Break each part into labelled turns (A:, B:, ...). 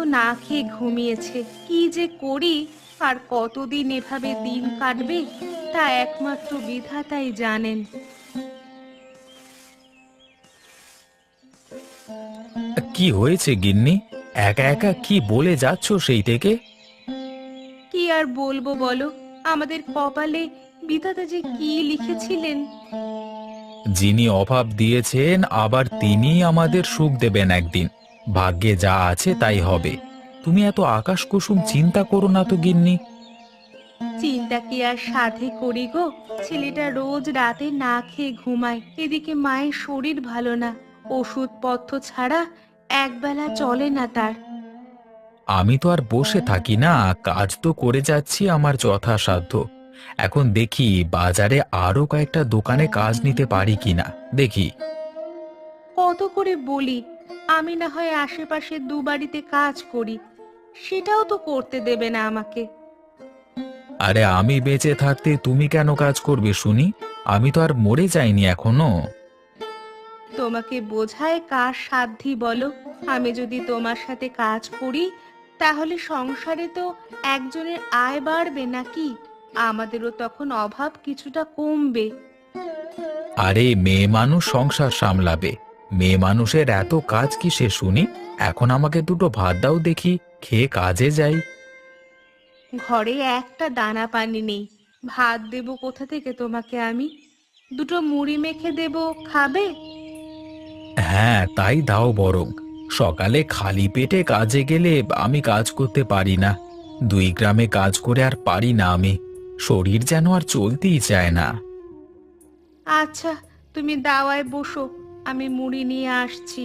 A: না খেয়ে ঘুমিয়েছে। কি যে করি, আর কতদিন এভাবে দিন কাটবে তা একমাত্র বিধাতাই জানেন।
B: কি হয়েছে গিন্নি? একা একা কি বলে যাচ্ছ সেই থেকে?
A: কি আর বলবো বলো, আমাদের কপালে বিধাতা যে কি লিখেছিলেন।
B: যিনি অভাব দিয়েছেন আবার তিনি আমাদের সুখ দেবেন একদিন। ভাগ্যে যা আছে তাই হবে। তুমি এত আকাশ কুসুম চিন্তা করো না তো গিন্নি।
A: চিন্তা কি আর সাধে করি গো, ছেলেটা রোজ রাতে না খেয়ে ঘুমায়, এদিকে মায়ের শরীর ভালো না, ওষুধপত্র ছাড়া একবেলা চলে না তার।
B: আমি তো আর বসে থাকি না, কাজ তো করে যাচ্ছি আমার যথাসাধ্য। এখন দেখি বাজারে আরো কয়েকটা দোকানে কাজ নিতে পারি কিনা দেখি।
A: কত করে বলি, আমি না হয় আশেপাশে দু বাড়িতে কাজ করি, সেটাও তো করতে দেবে না আমাকে।
B: আরে আমি বেঁচে থাকতে তুমি কেন কাজ করবে শুনি? আমি তো আর মরে যাইনি এখনো।
A: তোমাকে বোঝায় কার সাধ্যি বলো? আমি যদি তোমার সাথে কাজ করি, তাহলে সংসারে তো একজনের আয় বাড়বে নাকি? আমাদেরও তখন অভাব কিছুটা কমবে।
B: আরে মেয়ে মানুষ সংসার সামলাবে। মেয়ে মানুষের এত কাজ কিসে শুনি? এখন আমাকে দুটো ভাত দাও দেখি, খেয়ে কাজে যাই।
A: ঘরে একটা দানা পানি নেই, ভাত দেবো কোথা থেকে তোমাকে আমি? দুটো মুড়ি মেখে দেবো, খাবে?
B: হ্যাঁ তাই দাও বরং। সকালে খালি পেটে কাজে গেলে আমি কাজ করতে পারি না। 2 গ্রামে কাজ করে আর পারি না আমি। শরীর যেন আর চলতেই চায় না।
A: আচ্ছা, তুমি দাওয়ায় বসো, আমি মুড়ি নিয়ে আসছি।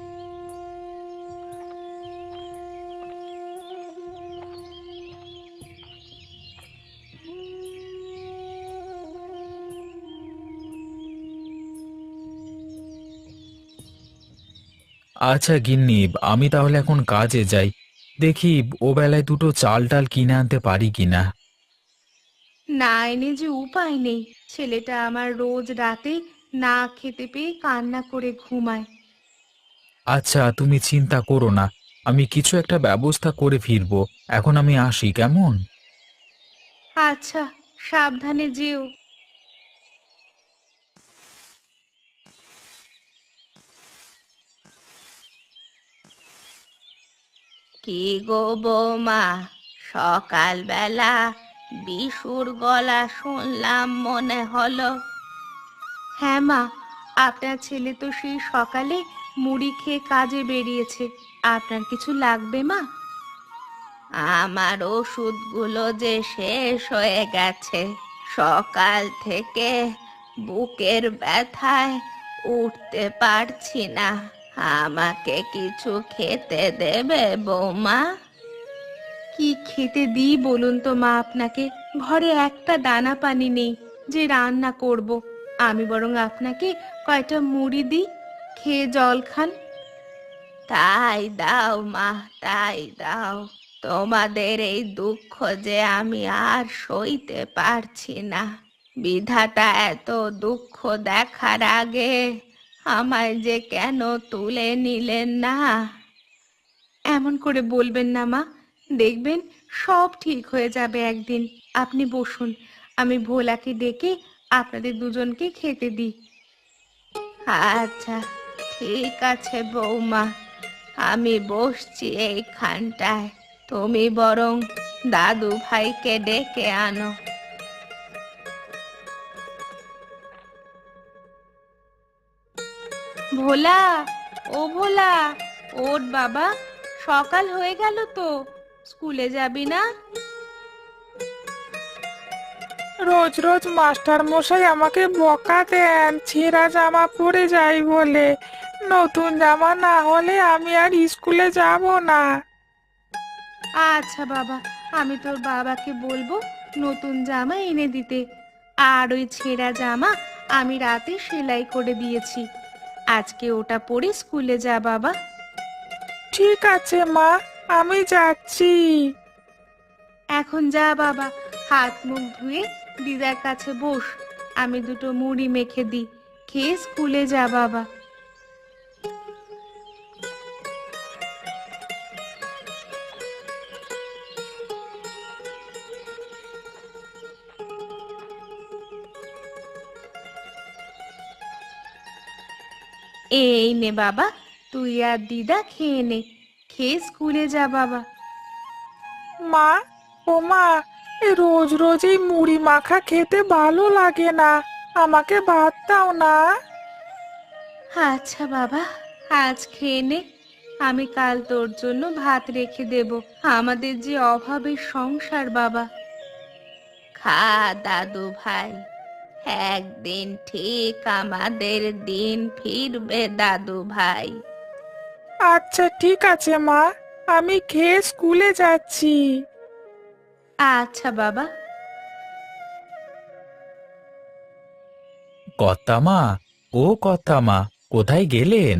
B: আচ্ছা গিন্নি, আমি তাহলে এখন কাজে যাই। দেখি ও বেলায় দুটো চাল টাল কিনে আনতে পারি কিনা।
A: না এনে যে উপায় নেই, ছেলেটা আমার রোজ রাতে না খেতে পেয়ে কান্না করে ঘুমায়।
B: আচ্ছা তুমি চিন্তা করো না, আমি কিছু একটা ব্যবস্থা করে ফিরবো। এখন আমি আসি কেমন?
A: আচ্ছা, সাবধানে যেও। কি গো বৌমা, সকালবেলা বিশুর গলা শুনলাম মনে হলো। হ্যাঁ মা, আপনার ছেলে তো সেই সকালে মুড়ি খেয়ে কাজে বেরিয়েছে। আপনার কিছু লাগবে মা? আমার ওষুধগুলো যে শেষ হয়ে গেছে, সকাল থেকে বুকের ব্যথায় উঠতে পারছি না। আমাকে কিছু খেতে দেবে বৌমা? কি খেতে দিই বলুন তো মা আপনাকে? ঘরে একটা দানা পানি নেই যে রান্না করব। আমি বরং আপনাকে কয়টা মুড়ি দিই, খেয়ে জল খান। তাই দাও মা, তাই দাও। তোমাদের এই দুঃখ যে আমি আর সইতে পারছি না। বিধাতা এত দুঃখ দেখার আগে আমায় যে কেন তুলে নিলেন না? এমন করে বলবেন না মা, দেখবেন সব ঠিক হয়ে যাবে একদিন। আপনি বসুন, আমি ভোলাকে ডেকে আপনাদের দুজনকে খেতে দিই। আচ্ছা, ঠিক আছে বৌমা, আমি বসছি এইখানটায়। তুমি বরং দাদু ভাইকে ডেকে আনো। ভোলা, ও ভোলা, ওঠ বাবা, সকাল হয়ে গেল তো, স্কুলে যাবি না?
C: রোজ রোজ মাস্টার মশাই আমাকে বকা দেন ছেঁড়া জামা পরে যাই বলে। নতুন জামা না হলে আমি আর স্কুলে যাব না।
A: আচ্ছা বাবা, আমি তোর বাবাকে বলবো নতুন জামা এনে দিতে। আর ওই ছেঁড়া জামা আমি রাতে সেলাই করে দিয়েছি, আজকে ওটা পরে স্কুলে যা বাবা।
C: ঠিক আছে মা, আমি যাচ্ছি।
A: এখন যা বাবা, হাত মুখ ধুয়ে দিদার কাছে বস, আমি দুটো মুড়ি মেখে দিই, খেয়ে স্কুলে যা বাবা। এই নে বাবা, তুই আর দিদা খেয়ে নে, খেয়ে স্কুলে যা বাবা।
C: মা, ও মা, এই রোজ রোজ এই মুড়ি মাখা খেতে ভালো লাগে না, আমাকে ভাত দাও না।
A: আচ্ছা বাবা, আজ খেয়ে নে, আমি কাল তোর জন্য ভাত রেখে দেব। আমাদের যে অভাবের সংসার বাবা। খা দাদু ভাই, একদিন ঠিক আমাদের দিন ফিরবে দাদু ভাই।
C: আচ্ছা ঠিক আছে মা, আমি খেয়ে স্কুলে যাচ্ছি।
A: আচ্ছা বাবা।
B: কর্তামা, ও কর্তামা, কোথায় গেলেন?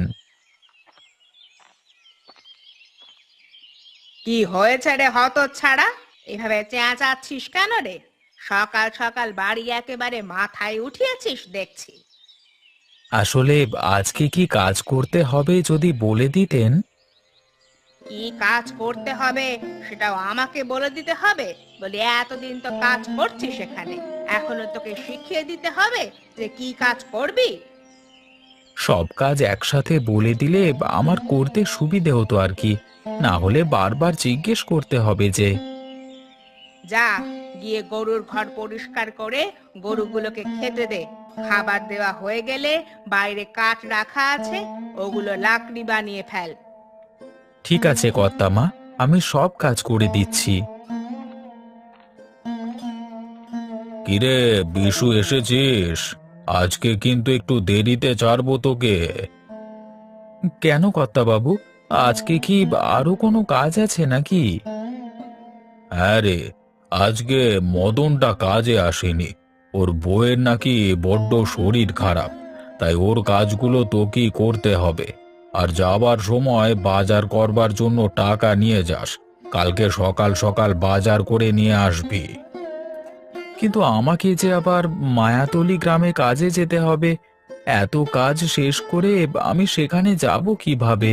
A: কি হয়েছে রে হতচ্ছাড়া? এভাবে চেঁচাচ্ছিস কেন রে? সকাল সকাল বাড়ি একেবারে মাথায় উঠিয়েছিস দেখছি।
B: আসলে আজকে কি কাজ করতে হবে যদি বলে দিতেন।
A: কি কাজ করতে হবে সেটাও আমাকে বলে দিতে হবে? বলি এতদিন তো কাজ করছিস এখানে, এখনো তোকে শিখিয়ে দিতে হবে যে কি কাজ করবি?
B: সব কাজ একসাথে বলে দিলে আমার করতে সুবিধে হতো আর কি, না হলে বারবার জিজ্ঞেস করতে হবে যে।
A: যা, গিয়ে গরুর ঘর পরিষ্কার করে গরুগুলোকে খেতে দে। খাবার দেওয়া হয়ে গেলে বাইরে কাঠ রাখা আছে, ওগুলো লাকড়ি বানিয়ে ফেল।
B: ঠিক আছে কর্তামা, আমি সব কাজ করে দিচ্ছি। কিরে বিশু, এসেছিস? আজকে কিন্তু একটু দেরিতে ছাড়বো তোকে। কেন কর্তাবাবু, আজকে কি আরো কোনো কাজ আছে নাকি? হ্যাঁ রে, আজকে মদনটা কাজে আসেনি। ওর বউয়ের নাকি বড্ড শরীর খারাপ, তাই ওর কাজগুলো তোকেই করতে হবে। আর যাবার সময় বাজার করবার জন্য টাকা নিয়ে যাস। কালকে সকাল সকাল বাজার করে নিয়ে আসবি। কিন্তু আমাকে যে আবার মায়াতলি গ্রামে কাজে যেতে হবে, এত কাজ শেষ করে আমি সেখানে যাব কিভাবে?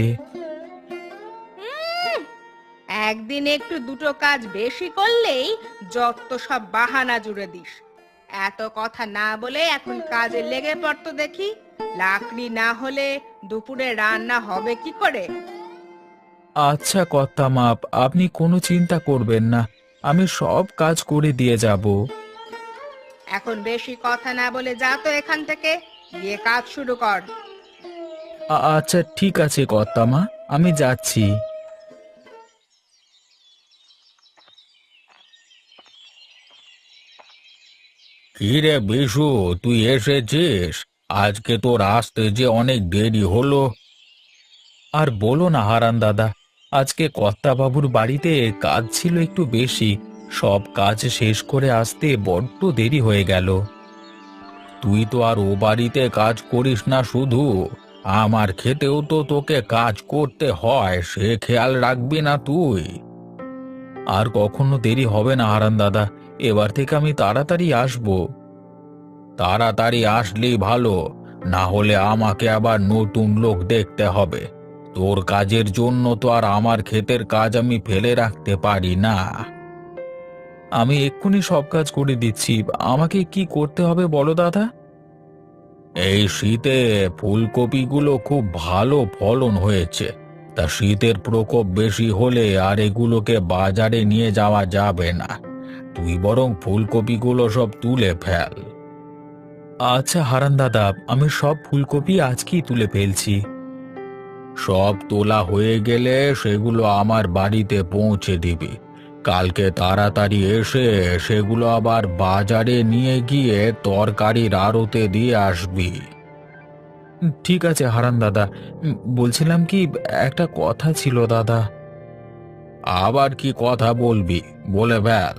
A: একদিন একটু দুটো কাজ বেশি করলেই যত সব বাহানা জুড়ে দিস। এত কথা না বলে এখন কাজে লেগে পড়তো দেখি। লাকড়ি না হলে দুপুরে রান্না হবে কি করে?
B: আচ্ছা কর্তামা, আপনি কোনো চিন্তা করবেন না, আমি সব কাজ করে দিয়ে যাব।
A: এখন বেশি কথা না বলে যা তো এখান থেকে, গিয়ে কাজ শুরু কর।
B: আচ্ছা ঠিক আছে কর্তামা, আমি যাচ্ছি। কি রে বিশু, তুই এসেছিস? আজকে তোর আসতে যে অনেক দেরি হলো। আর বলো না হারান দাদা, আজকে কর্তাবাবুর বাড়িতে কাজ ছিল একটু বেশি, সব কাজ শেষ করে আসতে বড্ড দেরি হয়ে গেল। তুই তো আর ও বাড়িতে কাজ করিস না শুধু, আমার খেতেও তো তোকে কাজ করতে হয়, সে খেয়াল রাখবি না তুই? আর কখনো দেরি হবে না হারান দাদা, এবার থেকে আমি তাড়াতাড়ি আসবো। তাড়াতাড়ি আসলেই ভালো, না হলে আমাকে আবার নতুন লোক দেখতে হবে। তোর কাজের জন্য তো আর আমার ক্ষেতের কাজ আমি ফেলে রাখতে পারি না। আমি এক্ষুনি সব কাজ করে দিচ্ছি, আমাকে কি করতে হবে বলো দাদা? এই শীতে ফুলকপিগুলো খুব ভালো ফলন হয়েছে, তা শীতের প্রকোপ বেশি হলে আর এগুলোকে বাজারে নিয়ে যাওয়া যাবে না। তুই বরং ফুলকপিগুলো সব তুলে ফেল। আচ্ছা হারান দাদা, আমি সব ফুলকপি আজকেই তুলে ফেলছি। সব তোলা হয়ে গেলে সেগুলো আমার বাড়িতে পৌঁছে দিবি। কালকে তাড়াতাড়ি এসে সেগুলো আবার বাজারে নিয়ে গিয়ে তরকারির আড়তে দিয়ে আসবি। ঠিক আছে হারান দাদা, বলছিলাম কি, একটা কথা ছিল দাদা। আবার কি কথা বলবি, বলে ফেল।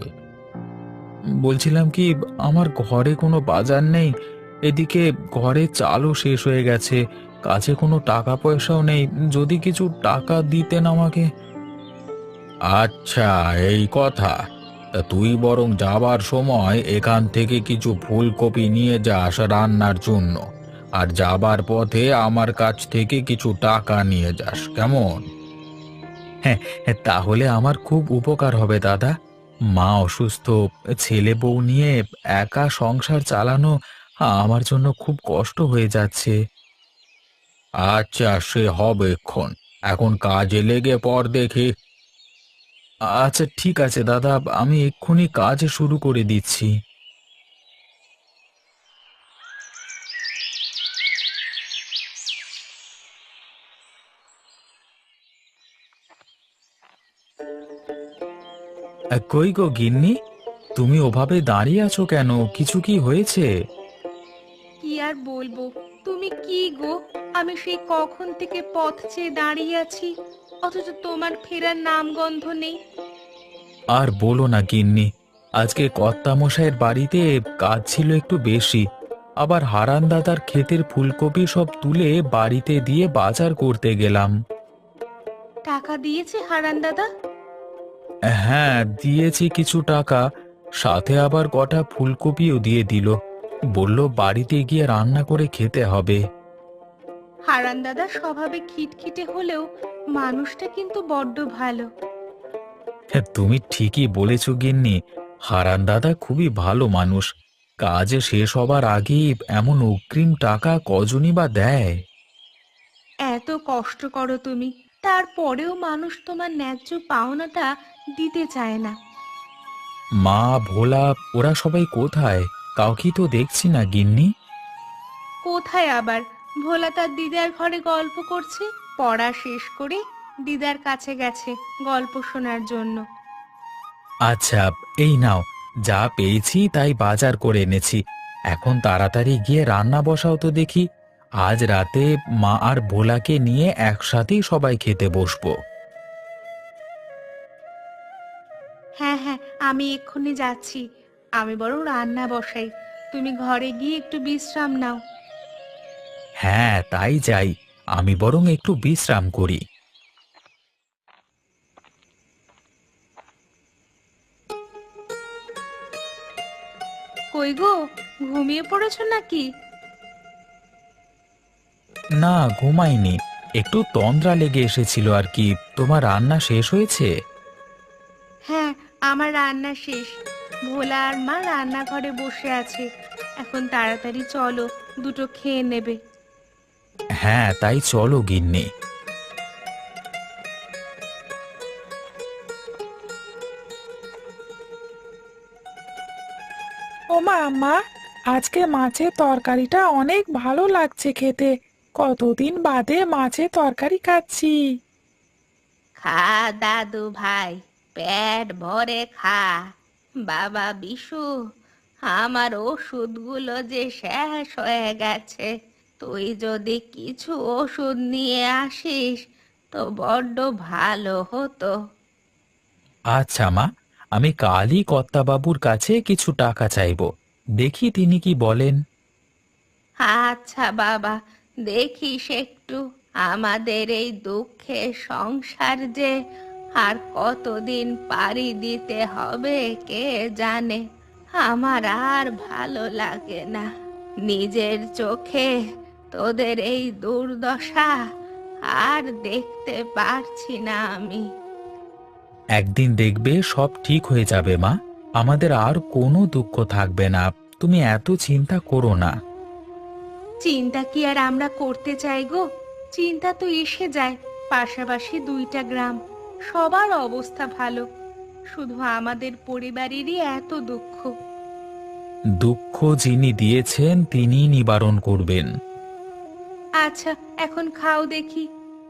B: বলছিলাম কি, আমার ঘরে কোনো বাজার নেই, এদিকে ঘরে চালও শেষ হয়ে গেছে, কাছে কোনো টাকা পয়সাও নেই, যদি কিছু টাকা দিতেন আমাকে। আচ্ছা, এই কথা। তা তুই বরং যাবার সময় এখান থেকে কিছু ফুলকপি নিয়ে যাস রান্নার জন্য, আর যাবার পথে আমার কাছ থেকে কিছু টাকা নিয়ে যাস, কেমন? হ্যাঁ, তাহলে আমার খুব উপকার হবে দাদা। মা অসুস্থ, ছেলে বউ নিয়ে একা সংসার চালানো আমার জন্য খুব কষ্ট হয়ে যাচ্ছে। আচ্ছা, সে হবে এক্ষণ। এখন কাজে লেগে পড় দেখি। আচ্ছা ঠিক আছে দাদা, আমি এক্ষুনি কাজ শুরু করে দিচ্ছি। কই গো গিন্নি, তুমি ওভাবে দাঁড়িয়ে আছো কেন? কিছু কি হয়েছে?
A: কি আর বলবো, তুমি কি গো? আমি সেই কখন থেকে পথ চেয়ে দাঁড়িয়ে আছি, অথচ তোমার ফেরার নামগন্ধ নেই।
B: আর বলো না গিন্নি, আজকে কর্তামশাইয়ের বাড়িতে কাজ ছিল একটু বেশি। আবার হারান দাদার ক্ষেতের ফুলকপি সব তুলে বাড়িতে দিয়ে বাজার করতে গেলাম।
A: টাকা দিয়েছে হারান দাদা?
B: হ্যাঁ, দিয়েছি কিছু টাকা, সাথে আবার কটা ফুলকপিও দিয়ে দিল। বলল বাড়িতে গিয়ে রান্না করে খেতে হবে।
A: হারান দাদা স্বভাবে খিটখিটে হলেও মানুষটা কিন্তু বড্ড ভালো।
B: হ্যাঁ, তুমি ঠিকই বলেছ গিন্নি, হারান দাদা খুবই ভালো মানুষ। কাজ শেষ হবার আগেই এমন অগ্রিম টাকা কজনই বা দেয়।
A: এত কষ্ট করো তুমি, তারপরেও মানুষ তোমার ন্যায্য পাওনাটা দিতে চায় না।
B: মা, ভোলা, ওরা সবাই কোথায়? কাউকে তো দেখছি না গিন্নি।
A: কোথায় আবার? ভোলা তার দিদার ঘরে গল্প করছে। পড়া শেষ করে দিদার কাছে গেছে গল্প শোনার জন্য।
B: আচ্ছা, এই নাও, যা পেয়েছি তাই বাজার করে এনেছি। এখন তাড়াতাড়ি গিয়ে রান্না বসাও তো দেখি। আজ রাতে মা আর ভোলাকে নিয়ে একসাথেই সবাই খেতে বসবো।
A: হ্যাঁ হ্যাঁ, আমি এক্ষুনি যাচ্ছি। আমি বরং রান্না বসাই, তুমি ঘরে গিয়ে একটু বিশ্রাম নাও।
B: হ্যাঁ, তাই যাই। আমি বরং একটু বিশ্রাম করি।
A: কই গো, ঘুমিয়ে পড়েছো নাকি?
B: না, ঘুমাইনি। একটু তন্দ্রা লেগে এসেছিল আর কি। তোমার রান্না শেষ হয়েছে?
A: হ্যাঁ, আমার রান্না শেষ। ভোলা আর মা রান্নাঘরে বসে আছে। এখন তাড়াতাড়ি চলো, দুটো খেয়ে নেবে।
B: হ্যাঁ, তাই চলো গিন্নি।
C: ও মা, মা, আজকে মাছের তরকারিটা অনেক ভালো লাগছে খেতে। কতদিন বাদে মাছের তরকারি খাচ্ছি।
A: খা দাদু ভাই, পেট ভরে খা। বাবা বিশু, আমার ওষুধগুলো যে শেষ হয়ে গেছে। তুই যদি কিছু ওষুধ নিয়ে আসিস তো বড্ড ভালো হতো।
B: আচ্ছা মা, আমি কালই কর্তাবাবুর কাছে কিছু টাকা চাইবো। দেখি তিনি কি বলেন।
A: আচ্ছা বাবা, দেখিস একটু। আমাদের এই দুঃখের সংসার যে আর কতদিন পাড়ি দিতে হবে কে জানে। আমার আর ভালো লাগে না, নিজের চোখে তোদের এই দুর্দশা আর দেখতে পারছি না আমি।
B: একদিন দেখবে সব ঠিক হয়ে যাবে মা। আমাদের আর কোনো দুঃখ থাকবে না। তুমি এত চিন্তা করো না।
A: চিন্তা কি আর আমরা করতে চাই গো? চিন্তা তো এসে যায়। পাশাপাশি দুইটা গ্রাম, সবার অবস্থা ভালো, শুধু আমাদের পরিবারেরই এত দুঃখ।
B: দুঃখ যিনি দিয়েছেন তিনিই নিবারণ করবেন।
A: আচ্ছা, এখন খাও দেখি।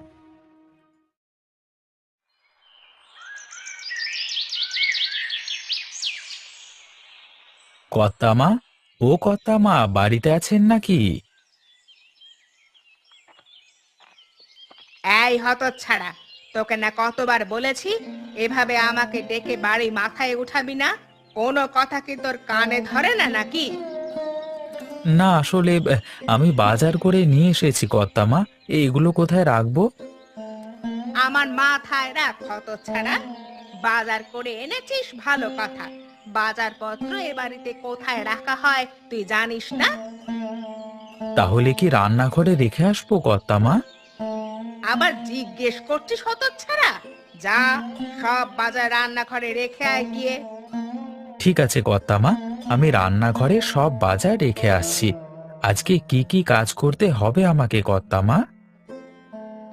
B: কর্তামা, ও কর্তামা, বাড়িতে আছেন নাকি?
A: এই হতচ্ছাড়া, তোকে না কতবার বলেছি এভাবে আমাকে ডেকে বাড়ি মাথায় উঠাবি না? কোনো কথা কি তোর কানে ধরে না নাকি?
B: না, আসলে আমি বাজার করে নিয়ে এসেছি কর্তামা। এইগুলো কোথায় রাখবো?
A: আমার মাথায় রাখ হতচ্ছাড়া। বাজার করে এনেছিস ভালো কথা, বাজারপত্র এ বাড়িতে কোথায় রাখা হয় তুই জানিস না?
B: তাহলে কি রান্নাঘরে রেখে আসবো কর্তামা?
A: আবার জিজ্ঞেস করছিস হতচ্ছাড়া? যা, সব বাজার রান্নাঘরে রেখে আয় গিয়ে।
B: ঠিক আছে কর্তামা, আমি রান্নাঘরে সব বাজার রেখে আসছি। আজকে কি কি কাজ করতে হবে আমাকে কর্তামা?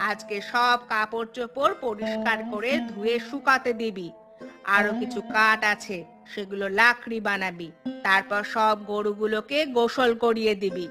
A: আজকে সব কাপড় চোপড় পরিষ্কার করে ধুয়ে শুকাতে দিবি। আরো কিছু কাঠ আছে, সেগুলো লাকড়ি বানাবি। তারপর সব গরুগুলোকে গোসল করিয়ে দিবি।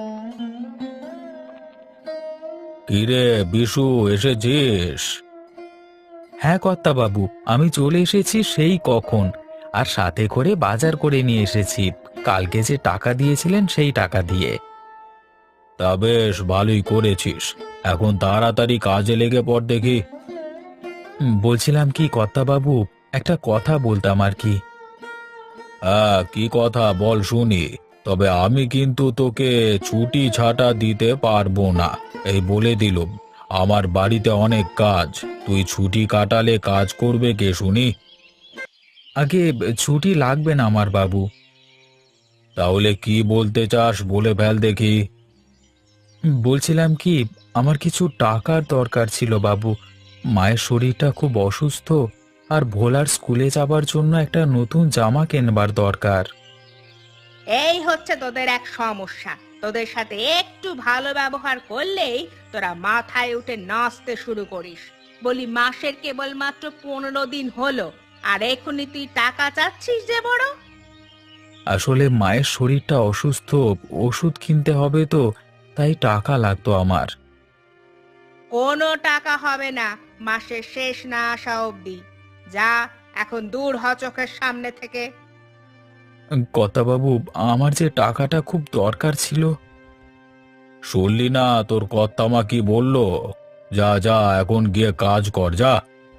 B: কিরে বিশু, এসেছিস? হ্যাঁ কর্তা বাবু, আমি চলে এসেছি সেই কখন। আর সাথে করে বাজার করে নিয়ে এসেছি, কালকে যে টাকা দিয়েছিলেন সেই টাকা দিয়ে। তা বেশ ভালোই করেছিস। এখন তাড়াতাড়ি কাজে লেগে পড় দেখি। বলছিলাম কি কর্তা বাবু, একটা কথা বলতাম আর কি। হ্যাঁ, কি কথা বল শুনি। তবে আমি কিন্তু তোকে ছুটি ছাটা দিতে পারবো না, এই বলে দিলুম। আমার বাড়িতে অনেক কাজ, তুই ছুটি কাটালে কাজ করবে কে শুনি? আগে ছুটি লাগবে না আমার বাবু। তাহলে কি বলতে চাস বলে ফেল দেখি। বলছিলাম কি, আমার কিছু টাকার দরকার ছিল বাবু। মায়ের শরীরটা খুব অসুস্থ, আর ভোলার স্কুলে যাবার জন্য একটা নতুন জামা কিনবার দরকার।
A: এই হচ্ছে তোদের এক সমস্যা। তোদের সাথে একটু ভালো ব্যবহার করলেই তোরা মাথায় উঠে নাচতে শুরু করিস। বলি মাসের কেবলমাত্র 15 দিন হলো, আর এখনই তুই টাকা চাচ্ছিস যে বড়।
B: আসলে মায়ের শরীরটা অসুস্থ, ওষুধ কিনতে হবে তো, তাই টাকা লাগতো আমার।
A: কোনো টাকা হবে না মাসের শেষ না আসা অবধি। যা, এখন দূর হ চোখের সামনে থেকে।
B: কর্তাবাবু, আমার যে টাকাটা খুব দরকার ছিল। শুনলি না তোর কর্তামা কি বললো? যা যা, এখন গিয়ে কাজ কর, যা।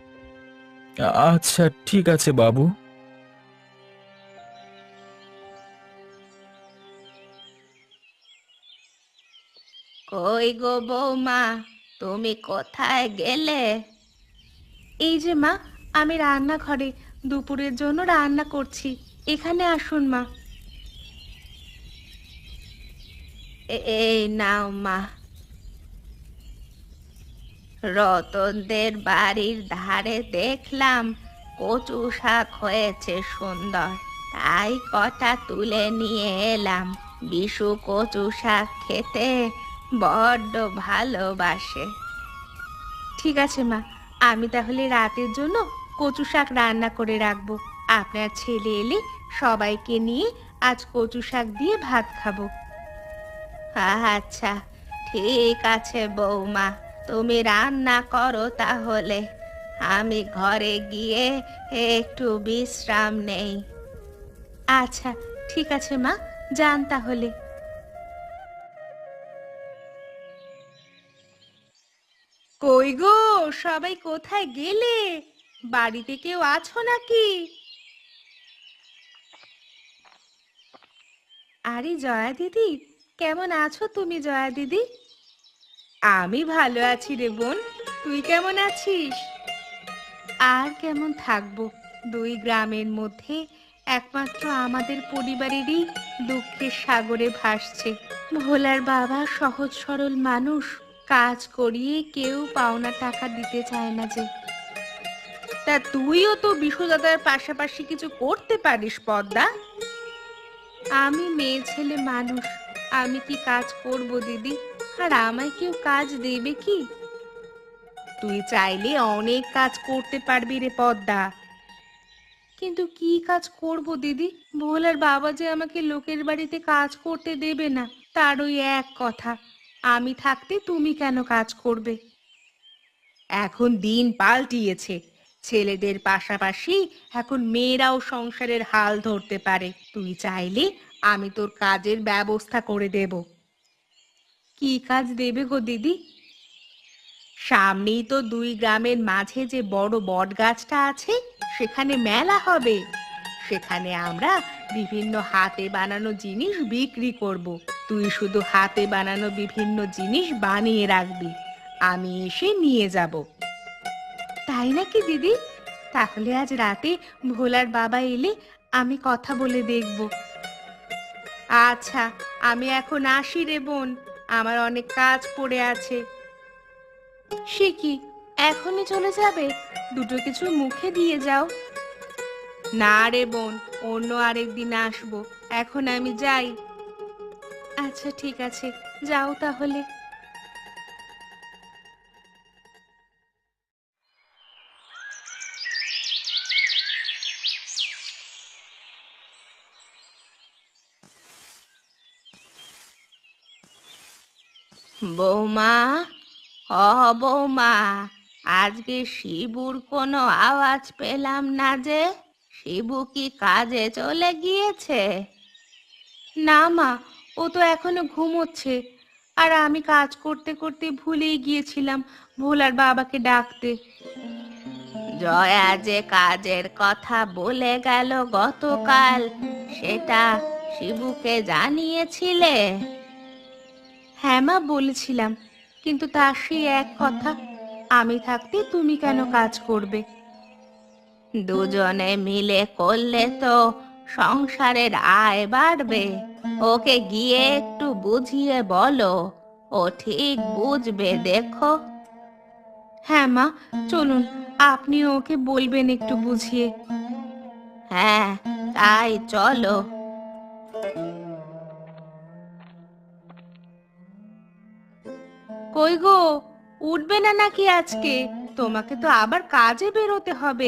B: আচ্ছা ঠিক আছে বাবু।
A: কই গো বৌমা, তুমি কোথায় গেলে? এই যে মা, আমি রান্নাঘরে দুপুরের জন্য রান্না করছি। এখানে আসুন মা। এই নাও মা। রতনদের বাড়ির ধারে দেখলাম কচু শাক হয়েছে সুন্দর, তাই কটা তুলে নিয়ে এলাম। বিশু কচু শাক খেতে বড্ড ভালোবাসে। ঠিক আছে মা, আমি তাহলে রাতের জন্য কচু শাক রান্না করে রাখবো। আপনার ছেলে এলে সবাইকে নিয়ে আজ কচু শাক দিয়ে ভাত খাবো। আচ্ছা, ঠিক আছে বৌমা, তুমি রান্না করো তাহলে। আমি ঘরে গিয়ে একটু বিশ্রাম নেই। আচ্ছা ঠিক আছে মা, যান তাহলে। কই গো, সবাই কোথায় গেলে? বাড়িতে কেউ আছো নাকি? আরে জয়া দিদি, কেমন আছো তুমি জয়া দিদি? আমি ভালো আছি রে বোন, তুই কেমন আছিস? আর কেমন থাকবো, দুই গ্রামের মধ্যে একমাত্র আমাদের পরিবারেরই দুঃখের সাগরে ভাসছে। ভোলার বাবা সহজ সরল মানুষ, কাজ করিয়ে কেউ পাওনা টাকা দিতে চায় না যে। তা তুইও তো বিশু দাদার পাশাপাশি কিছু করতে পারিস পদ্মা। আমি মেয়ে ছেলে মানুষ, আমি কি কাজ করব দিদি? আর আমায় কেউ কাজ দেবে কি? তুই চাইলে অনেক কাজ করতে পারবি রে পদ্মা। কিন্তু কি কাজ করব দিদি? ভোলার বাবা যে আমাকে লোকের বাড়িতে কাজ করতে দেবে না, তার ওই এক কথা, আমি থাকতে তুমি কেন কাজ করবে? এখন দিন পাল্টিয়েছে, ছেলেদের পাশাপাশি এখন মেয়েরাও সংসারের হাল ধরতে পারে। তুই চাইলে আমি তোর কাজের ব্যবস্থা করে দেব। কি কাজ দেবে গো দিদি? সামনেই তো দুই গ্রামের মাঝে যে বড় বট গাছটা আছে, সেখানে মেলা হবে। সেখানে আমরা বিভিন্ন হাতে বানানো জিনিস বিক্রি করব। তুই শুধু হাতে বানানো বিভিন্ন জিনিস বানিয়ে রাখবি, আমি এসে নিয়ে যাব। তাই নাকি দিদি? তাহলে আজ রাতে ভোলার বাবা এলে আমি কথা বলে দেখব। আচ্ছা, আমি এখন আসি রে বোন, আমার অনেক কাজ পড়ে আছে। সে কি, এখনই চলে যাবে? দুটো কিছু মুখে দিয়ে যাও। না রে বোন, অন্য আরেকদিন আসবো, এখন আমি যাই। আচ্ছা ঠিক আছে, যাও তাহলে। বৌমা, বৌমা, আজকে শিবুর কোনো আওয়াজ পেলাম না যে। শিবু কি কাজে চলে গিয়েছে? না মা, ও তো এখনো ঘুমোচ্ছে। আর আমি কাজ করতে করতে ভুলেই গিয়েছিলাম ভোলার বাবাকে ডাকতে। জয়া যে কাজের কথা বলে গেল গতকাল, সেটা শিবুকে জানিয়েছিলে? হ্যাঁ মা, বলেছিলাম, কিন্তু তার সেই এক কথা, আমি থাকতে তুমি কেন কাজ করবে? দুজনে মিলে করলে তো সংসারের আয় বাড়বে। ওকে গিয়ে একটু বুঝিয়ে বলো, ও ঠিক বুঝবে দেখো। হ্যাঁ মা, চলুন, আপনি ওকে বলবেন একটু বুঝিয়ে। হ্যাঁ, তাই চলো। কই গো, উঠবে না নাকি আজকে? তোমাকে তো আবার কাজে বেরোতে হবে।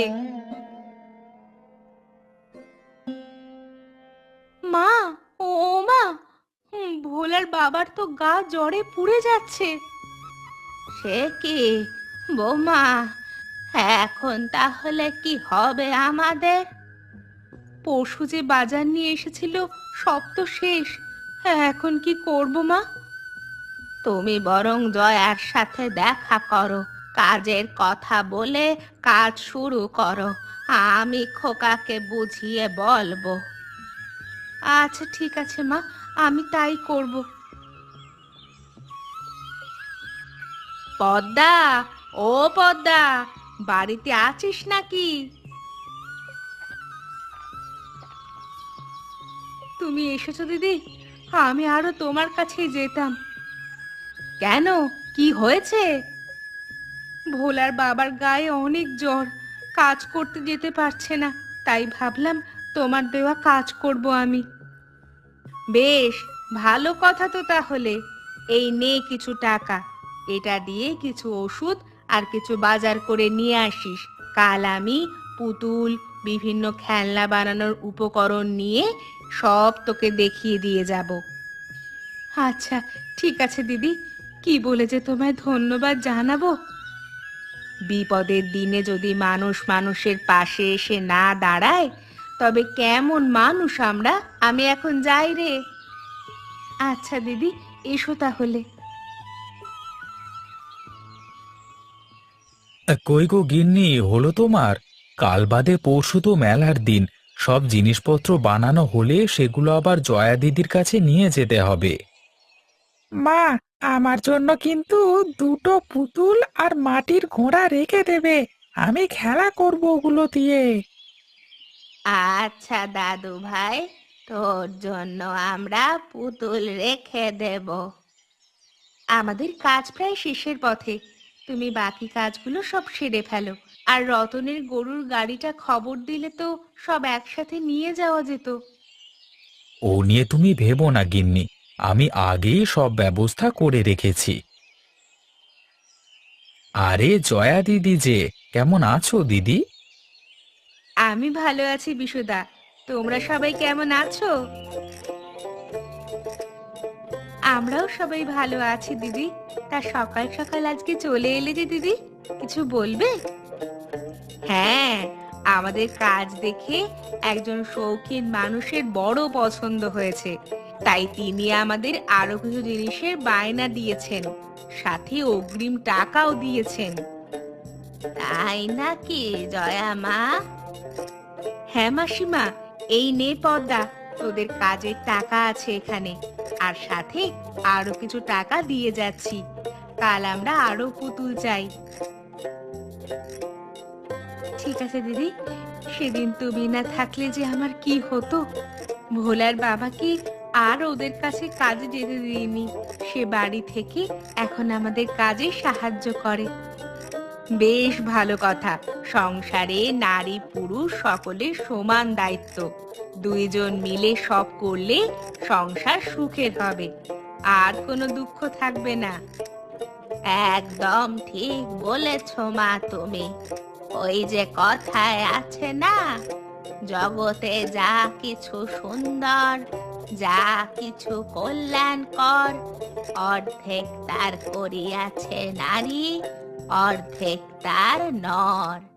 A: মা, ও মা, ভোলার বাবার তো গা জ্বরে পুড়ে যাচ্ছে। সে কি বৌমা, এখন তাহলে কি হবে আমাদের? পরশু যে বাজার নিয়ে এসেছিল, সব তো শেষ। এখন কি করব মা? তুমি বরং জয়ার সাথে দেখা করো, কাজের কথা বলে কাজ শুরু করো। আমি খোকাকে বুঝিয়ে বলবো। আচ্ছা ঠিক আছে মা, আমি তাই করব। পদ্মা, ও পদ্মা, বাড়িতে আছিস নাকি? তুমি এসেছো দিদি? আমি আরো তোমার কাছেই যেতাম। কেন, কি হয়েছে? ভোলার বাবার গায়ে অনেক জ্বর, কাজ করতে যেতে পারছে না। তাই ভাবলাম তোমার দেওয়া কাজ করব আমি। বেশ, ভালো কথা তো তাহলে। এই নে কিছু টাকা, এটা দিয়ে কিছু ওষুধ আর কিছু বাজার করে নিয়ে আসিস। কাল আমি পুতুল, বিভিন্ন খেলনা বানানোর উপকরণ নিয়ে সব তোকে দেখিয়ে দিয়ে যাব। আচ্ছা ঠিক আছে দিদি, কি বলে যে তোমায় ধন্যবাদ জানাবো। বিপদের দিনে যদি মানুষ মানুষের পাশে এসে না দাঁড়ায়, তবে কেমন মানুষ আমরা। আমি এখন যাই রে। আচ্ছা দিদি, এসো তাহলে।
B: কই গো গিন্নি, হলো তোমার? কাল বাদে পরশু তো মেলার দিন। সব জিনিসপত্র বানানো হলে সেগুলো আবার জয়া দিদির কাছে নিয়ে যেতে হবে।
C: মা, আমার জন্য কিন্তু দুটো পুতুল আর মাটির ঘোড়া রেখে দেবে। আমি খেলা করব ওগুলো দিয়ে।
A: আচ্ছা দাদু ভাই, তোর জন্য আমরা পুতুল রেখে দেব। আমাদের কাজ প্রায় শেষের পথে। তুমি বাকি কাজগুলো সব সেরে ফেলো। আর রতনের গরুর গাড়িটা খবর দিলে তো সব একসাথে নিয়ে যাওয়া যেত।
B: ও নিয়ে তুমি ভেবো না গিন্নি, আমি আগেই সব ব্যবস্থা করে রেখেছি। আরে জয়া দিদি যে, কেমন আছো দিদি?
A: আমি ভালো আছি বিশুদা, তোমরা সবাই কেমন আছো? আমরাও সবাই ভালো আছি দিদি। তা সকাল সকাল আজকে চলে এলে যে দিদি, কিছু বলবে? হ্যাঁ, আমাদের কাজ দেখে একজন শৌখিন মানুষের বড় পছন্দ হয়েছে। তাই তিনি আমাদের আরো কিছু জিনিসের বায়না দিয়েছেন, সাথে অগ্রিম টাকাও দিয়েছেন। তাই নাকি জয়া মা? হ্যাঁ মাসিমা, এই নে পদ্মা, তোদের কাজের টাকা আছে এখানে। আর সাথে আরো কিছু টাকা দিয়ে যাচ্ছি। কাল আমরা আরো পুতুল চাই। ঠিক আছে দিদি, সেদিন তুমি না থাকলে যে আমার কি হতো। ভোলার বাবাকে আর ওদের কাছে কাজে যেতে দিইনি। সে বাড়ি থেকে এখন আমাদের কাজে সাহায্য করে। বেশ ভালো কথা। সংসারে নারী পুরুষ সকলের সমান দায়িত্ব। দুইজন মিলে সব করলে সংসার সুখের হবে, আর কোনো দুঃখ থাকবে না। একদম ঠিক বলেছ মা তুমি। ওই যে কথায় আছে না, জগতে যা কিছু সুন্দর যা কিছু কল্যাণ কর, অর্ধেক তার করিয়াছে নারী, অর্ধেক তার নর।